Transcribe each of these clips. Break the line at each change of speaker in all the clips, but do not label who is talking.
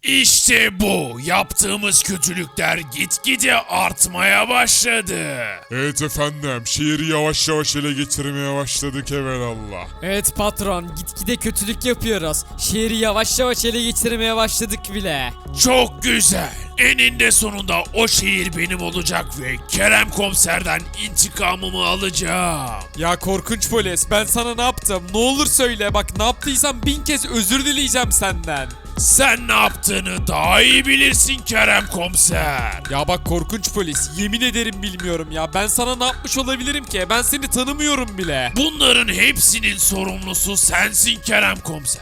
İşte bu. Yaptığımız kötülükler gitgide artmaya başladı.
Evet efendim, şehri yavaş yavaş ele geçirmeye başladık evelallah.
Evet patron, gitgide kötülük yapıyoruz. Şehri yavaş yavaş ele geçirmeye başladık bile.
Çok güzel. Eninde sonunda o şehir benim olacak ve Kerem Komiser'den intikamımı alacağım.
Ya korkunç polis, ben sana ne yaptım? Ne olur söyle, bak ne yaptıysam 1000 kez özür dileyeceğim senden.
Sen ne yaptığını daha iyi bilirsin Kerem Komiser.
Ya bak korkunç polis, yemin ederim bilmiyorum ya. Ben sana ne yapmış olabilirim ki? Ben seni tanımıyorum bile.
Bunların hepsinin sorumlusu sensin Kerem Komiser.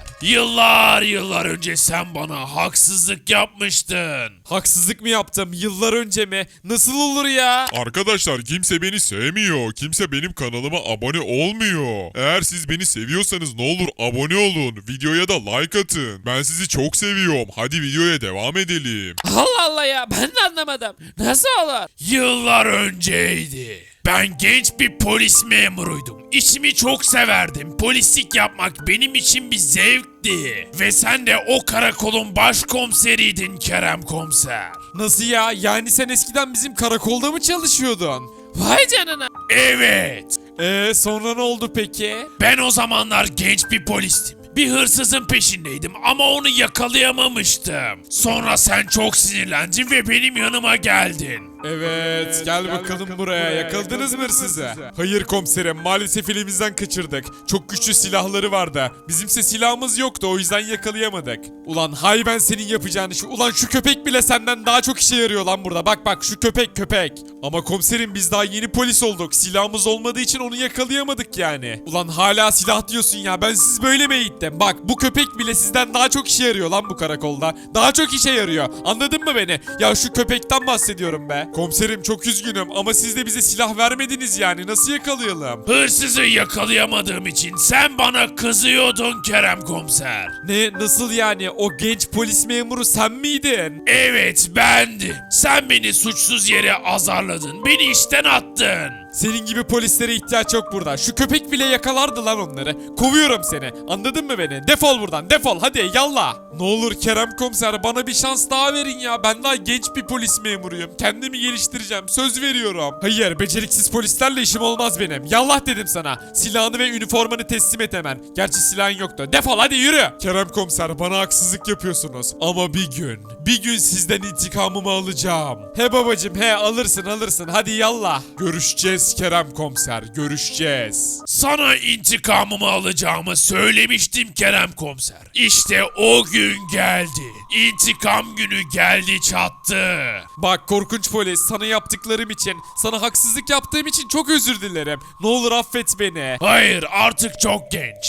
Yıllar önce sen bana haksızlık yapmıştın.
Haksızlık mı yaptım? Yıllar önce mi? Nasıl olur ya?
Arkadaşlar kimse beni sevmiyor. Kimse benim kanalıma abone olmuyor. Eğer siz beni seviyorsanız ne olur abone olun. Videoya da like atın. Ben sizi çok seviyorum. Hadi videoya devam edelim.
Allah Allah ya, ben de anlamadım. Nasıl olur?
Yıllar önceydi. Ben genç bir polis memuruydum. İşimi çok severdim. Polislik yapmak benim için bir zevkti. Ve sen de o karakolun başkomiseriydin Kerem Komiser.
Nasıl ya? Yani sen eskiden bizim karakolda mı çalışıyordun?
Vay canına.
Evet.
Sonra ne oldu peki?
Ben o zamanlar genç bir polistim. Bir hırsızın peşindeydim ama onu yakalayamamıştım. Sonra sen çok sinirlendin ve benim yanıma geldin.
Evet, gel bakalım buraya. Yakaladınız mı hırsızı? Hayır komiserim, maalesef elimizden kaçırdık. Çok güçlü silahları vardı. Bizimse silahımız yoktu, o yüzden yakalayamadık. Ulan hay ben senin yapacağını ulan şu köpek bile senden daha çok işe yarıyor lan burada. Bak şu köpek. Ama komiserim biz daha yeni polis olduk. Silahımız olmadığı için onu yakalayamadık yani. Ulan hala silah diyorsun ya, ben siz böyle mi eğittim? Bak bu köpek bile sizden daha çok işe yarıyor lan bu karakolda. Daha çok işe yarıyor. Anladın mı beni? Ya şu köpekten bahsediyorum be. Komiserim çok üzgünüm ama siz de bize silah vermediniz yani. Nasıl yakalayalım?
Hırsızı yakalayamadığım için sen bana kızıyordun Kerem Komiser.
Ne? Nasıl yani? O genç polis memuru sen miydin?
Evet bendim. Sen beni suçsuz yere azarladın. Beni işten attın.
Senin gibi polislere ihtiyaç yok burada. Şu köpek bile yakalardı lan onları. Kovuyorum seni. Anladın mı beni? Defol buradan. Defol. Hadi yallah. Ne olur Kerem komiser bana bir şans daha verin ya. Ben daha genç bir polis memuruyum. Kendimi geliştireceğim. Söz veriyorum. Hayır, beceriksiz polislerle işim olmaz benim. Yallah dedim sana. Silahını ve üniformanı teslim et hemen. Gerçi silahın yoktu. Defol hadi yürü. Kerem komiser bana haksızlık yapıyorsunuz. Ama bir gün sizden intikamımı alacağım. He babacım he, alırsın. Hadi yallah. Görüşeceğiz Kerem komiser. Görüşeceğiz.
Sana intikamımı alacağımı söylemiştim Kerem Komiser. İşte o gün geldi. İntikam günü geldi çattı.
Bak korkunç polis, sana yaptıklarım için, sana haksızlık yaptığım için çok özür dilerim. Ne olur affet beni.
Hayır artık çok genç.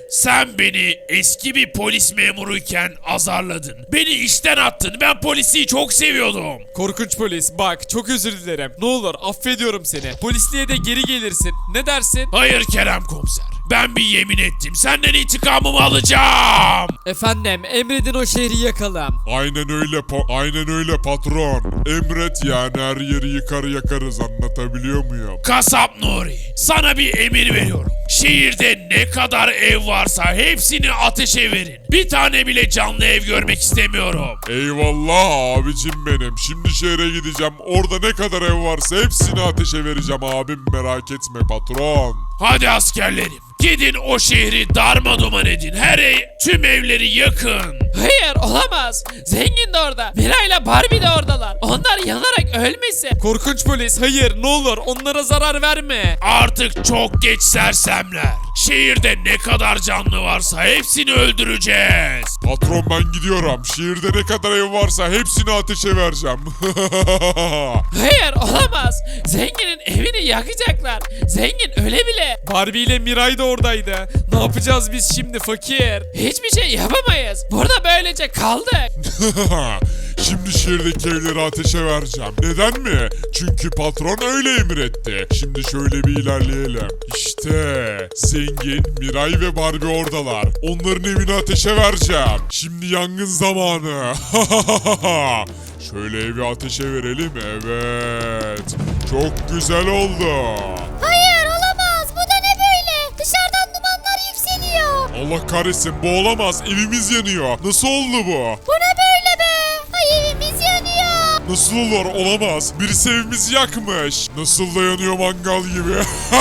Sen beni eski bir polis memuruyken azarladın. Beni işten attın. Ben polisi çok seviyordum.
Korkunç polis bak çok özür dilerim. Ne olur affediyorum seni. Polisliğe de geri gelirsin. Ne dersin?
Hayır Kerem Komiser. Ben bir yemin ettim. Senden intikamımı alacağım.
Efendim, emredin o şehri yakalım.
Aynen öyle patron. Emret yani, her yeri yakarız, anlatabiliyor muyum?
Kasap Nuri, sana bir emir veriyorum. Şehirde ne kadar ev varsa hepsini ateşe verin. Bir tane bile canlı ev görmek istemiyorum.
Eyvallah abicim benim. Şimdi şehre gideceğim. Orada ne kadar ev varsa hepsini ateşe vereceğim abim, merak etme patron.
Hadi askerlerim, gidin o şehri darmaduman edin. Tüm evleri yakın.
Hayır, olamaz. Zengin de orada. Mira ile Barbie de oradalar. Onlar yanarak ölmesin.
Korkunç polis hayır, ne olur onlara zarar verme.
Artık çok geç sersemler. Şehirde ne kadar canlı varsa hepsini öldüreceğiz.
Patron ben gidiyorum. Şehirde ne kadar ev varsa hepsini ateşe vereceğim.
Hayır, olamaz. Zenginin evini yakacaklar. Zengin öyle bile.
Barbie ile Miray da oradaydı. Ne yapacağız biz şimdi fakir?
Hiçbir şey yapamayız. Burada böylece kaldık.
Şimdi şehirdeki evleri ateşe vereceğim. Neden mi? Çünkü patron öyle emretti. Şimdi şöyle bir ilerleyelim. İşte zengin, Miray ve Barbie oradalar. Onların evini ateşe vereceğim. Şimdi yangın zamanı. Şöyle evi ateşe verelim. Evet. Çok güzel oldu.
Hayır olamaz. Bu da ne böyle? Dışarıdan dumanlar yükseliyor.
Allah kahretsin, bu olamaz. Evimiz yanıyor. Nasıl oldu bu?
Bu ne böyle be?
Nasıl olur? Olamaz. Birisi evimizi yakmış. Nasıl dayanıyor mangal gibi?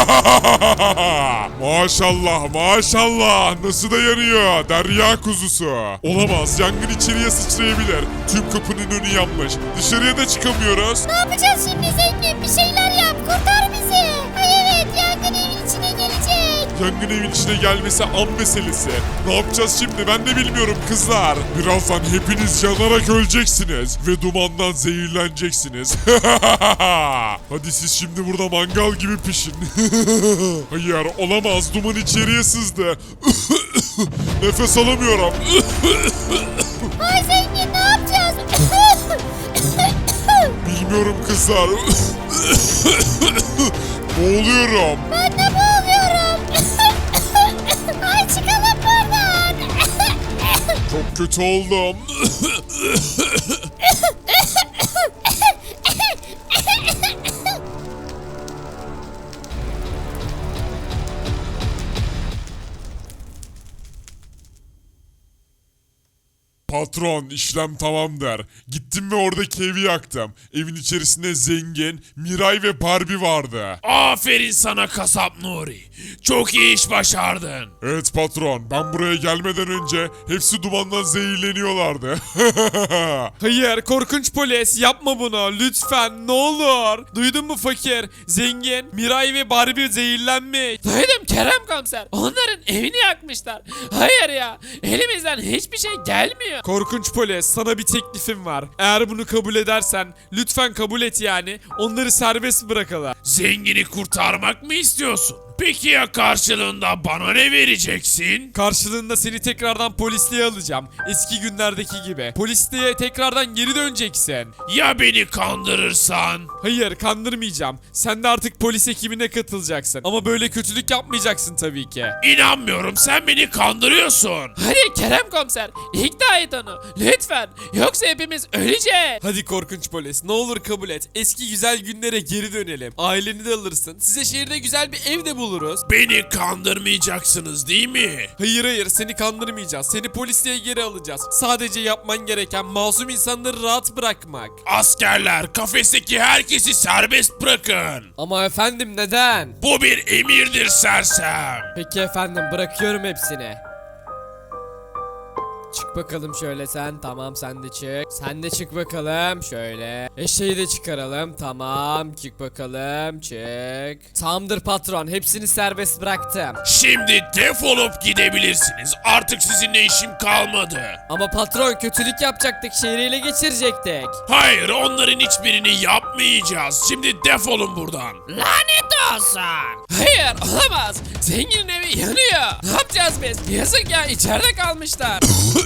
Maşallah maşallah. Nasıl dayanıyor? Derya kuzusu. Olamaz. Yangın içeriye sıçrayabilir. Tüm kapının önü yanmış. Dışarıya da çıkamıyoruz.
Ne yapacağız şimdi zengin? Bir şeyler yap. Kurtar bizi. Ay evet yangın evin içine gelecek.
Yangın evin içine gelmesi an meselesi. Ne yapacağız şimdi ben de bilmiyorum kızlar. Birazdan hepiniz yanarak öleceksiniz. Ve dumandan zehirleneceksiniz. Hadi siz şimdi burada mangal gibi pişin. Hayır olamaz, duman içeriye sızdı. Nefes alamıyorum.
Ay zengin ne yapacağız?
Bilmiyorum kızlar. Boğuluyorum.
Ben de boğuluyorum. Ay çıkalım buradan.
Çok kötü oldum. Patron, işlem tamamdır. Gittim ve oradaki evi yaktım. Evin içerisinde Zengin, Miray ve Barbie vardı.
Aferin sana kasap Nuri. Çok iyi iş başardın.
Evet patron, ben buraya gelmeden önce hepsi dumandan zehirleniyorlardı.
Hayır korkunç polis yapma bunu lütfen ne olur. Duydun mu fakir? Zengin, Miray ve Barbie zehirlenmiş.
Duydum Kerem komiser. Onların evini yakmışlar. Hayır ya. Elimizden hiçbir şey gelmiyor.
Korkunç polis sana bir teklifim var. Eğer bunu kabul edersen lütfen kabul et yani. Onları serbest bırakalım.
Zengini kurtarmak mı istiyorsun? Peki ya karşılığında bana ne vereceksin?
Karşılığında seni tekrardan polisliğe alacağım. Eski günlerdeki gibi. Polisliğe tekrardan geri döneceksin.
Ya beni kandırırsan?
Hayır kandırmayacağım. Sen de artık polis ekibine katılacaksın. Ama böyle kötülük yapmayacaksın tabii ki.
İnanmıyorum, sen beni kandırıyorsun.
Hadi Kerem komiser. İkna et onu. Lütfen. Yoksa hepimiz öleceğiz.
Hadi korkunç polis ne olur kabul et. Eski güzel günlere geri dönelim. Aileni de alırsın. Size şehirde güzel bir ev de buluruz.
Beni kandırmayacaksınız değil mi?
Hayır seni kandırmayacağız. Seni polisliğe geri alacağız. Sadece yapman gereken masum insanları rahat bırakmak.
Askerler, kafesteki herkesi serbest bırakın.
Ama efendim neden?
Bu bir emirdir sersem.
Peki efendim bırakıyorum hepsini. Çık bakalım şöyle sen. Tamam sen de çık. Sen de çık bakalım şöyle. Eşeği de çıkaralım. Tamam çık bakalım. Çık. Tamamdır patron. Hepsini serbest bıraktım.
Şimdi defolup gidebilirsiniz. Artık sizinle işim kalmadı.
Ama patron kötülük yapacaktık. Şehri ele geçirecektik.
Hayır, onların hiçbirini yapmayacağız. Şimdi defolun buradan.
Lanet olsun. Hayır olamaz. Zenginin evi yanıyor. Ne yapacağız biz? Yazık ya içeride kalmışlar.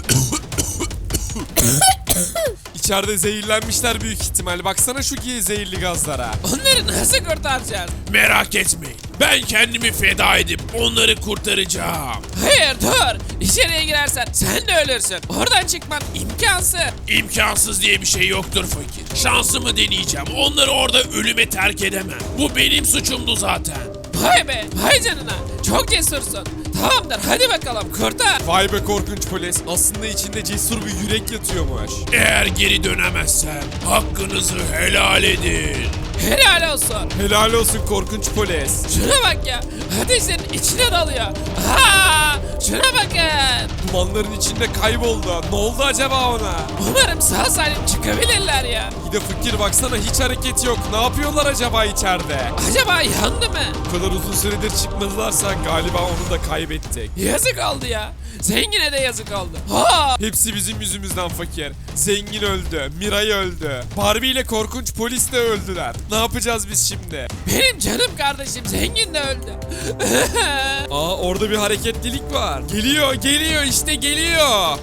İçeride zehirlenmişler büyük ihtimal. Baksana şu zehirli gazlara.
Onları nasıl kurtaracağız?
Merak etmeyin. Ben kendimi feda edip onları kurtaracağım.
Hayır dur. İçeriye girersen sen de ölürsün. Oradan çıkman imkansız.
İmkansız diye bir şey yoktur fakir. Şansımı deneyeceğim. Onları orada ölüme terk edemem. Bu benim suçumdu zaten.
Vay be. Vay canına. Çok cesursun. Tamamdır hadi bakalım kurtar.
Vay be korkunç polis. Aslında içinde cesur bir yürek yatıyormuş.
Eğer geri dönemezsem hakkınızı helal edin.
Helal olsun.
Helal olsun korkunç polis.
Şuna bak ya. Ateşlerin içine dalıyor. Aa, şuna bakın.
Dumanların içinde kayboldu. Ne oldu acaba ona?
Umarım sağ salim çıkabilirler ya.
Bir de fakir baksana hiç hareket yok. Ne yapıyorlar acaba içeride?
Acaba yandı mı?
Bu kadar uzun süredir çıkmadılarsa galiba onu da kaybettik.
Yazık oldu ya. Zengine de yazık oldu. Ha!
Hepsi bizim yüzümüzden fakir. Zengin öldü, Miray öldü. Barbie ile korkunç polis de öldüler. Ne yapacağız biz şimdi?
Benim canım kardeşim zengin de öldü.
Aa orada bir hareketlilik var. Geliyor işte geliyor.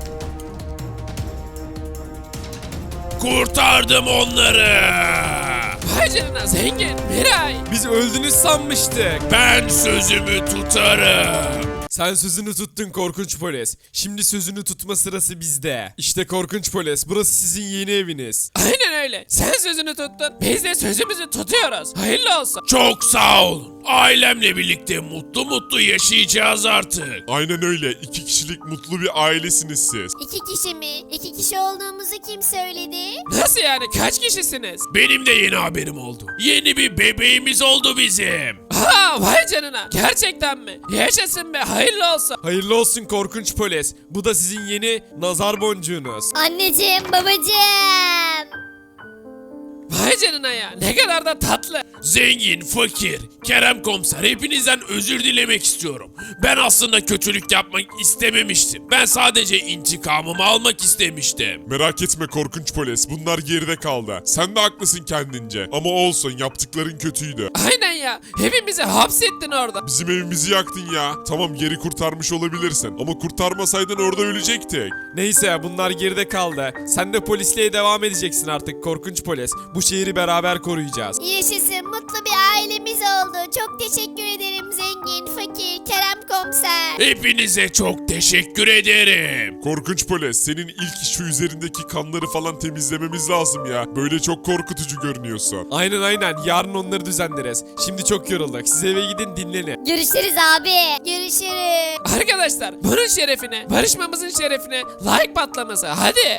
Kurtardım onları.
Vay canına zengin Miray.
Biz öldünüz sanmıştık.
Ben sözümü tutarım.
Sen sözünü tuttun korkunç polis. Şimdi sözünü tutma sırası bizde. İşte korkunç polis burası sizin yeni eviniz.
Aynen öyle. Sen sözünü tuttun. Biz de sözümüzü tutuyoruz. Hayırlı olsun.
Çok sağ olun. Ailemle birlikte mutlu mutlu yaşayacağız artık.
Aynen öyle. 2 kişilik mutlu bir ailesiniz siz.
2 kişi mi? 2 kişi olduğumuzu kim söyledi?
Nasıl yani? Kaç kişisiniz?
Benim de yeni haberim oldu. Yeni bir bebeğimiz oldu bizim.
Aa, vay canına. Gerçekten mi? Yaşasın be. Hayırlı olsun.
Hayırlı olsun korkunç polis. Bu da sizin yeni nazar boncuğunuz.
Anneciğim, babacığım.
Vay canına ya. Ne kadar da tatlı.
Zengin, fakir, Kerem komiser hepinizden özür dilemek istiyorum. Ben aslında kötülük yapmak istememiştim. Ben sadece intikamımı almak istemiştim.
Merak etme korkunç polis. Bunlar geride kaldı. Sen de haklısın kendince. Ama olsun, yaptıkların kötüydü.
Aynen ya. Hepimizi hapsettin orada.
Bizim evimizi yaktın ya. Tamam, geri kurtarmış olabilirsin. Ama kurtarmasaydın orada ölecektik.
Neyse bunlar geride kaldı. Sen de polisliğe devam edeceksin artık korkunç polis. Bu şehri beraber koruyacağız.
Yaşasın, mutlu bir ailemiz oldu. Çok teşekkür ederim zengin, fakir, Kerem komiser.
Hepinize çok teşekkür ederim.
Korkunç polis, senin ilk şu üzerindeki kanları falan temizlememiz lazım ya. Böyle çok korkutucu görünüyorsun.
Aynen yarın onları düzenleriz. Şimdi çok yorulduk. Siz eve gidin dinlenin.
Görüşürüz abi. Görüşürüz.
Arkadaşlar bunun şerefine, barışmamızın şerefine like patlaması. Hadi.